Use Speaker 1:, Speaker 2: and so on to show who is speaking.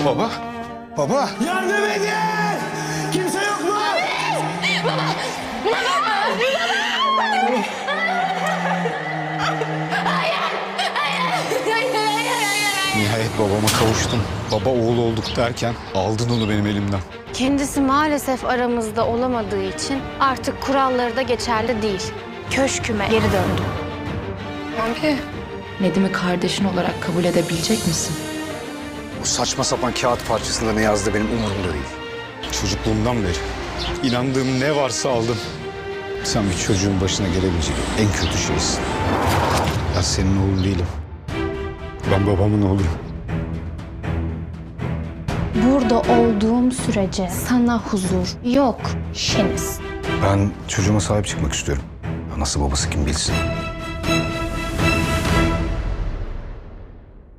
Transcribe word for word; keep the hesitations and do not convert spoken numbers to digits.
Speaker 1: Baba. Baba.
Speaker 2: Yardım edin! Kimse yok mu?
Speaker 3: Baba! Baba! Baba! Hayır! Hayır! Hayır! Hayır! Hayır!
Speaker 1: Nihayet babama kavuştum. Baba oğul olduk derken aldın onu benim elimden.
Speaker 4: Kendisi maalesef aramızda olamadığı için artık kuralları da geçerli değil. Köşküme geri döndüm.
Speaker 5: Abi, Nedim'i kardeşin olarak kabul edebilecek misin?
Speaker 6: Bu saçma sapan kağıt parçasında ne yazdı benim umurumda değil.
Speaker 1: Çocukluğumdan beri inandığım ne varsa aldım. Sen bir çocuğun başına gelebilecek en kötü şeysin. Ben senin oğlun değilim. Ben babamın oğluyum.
Speaker 4: Burada olduğum sürece sana huzur yok Şeniz.
Speaker 6: Ben çocuğuma sahip çıkmak istiyorum. Anası babası kim bilsin.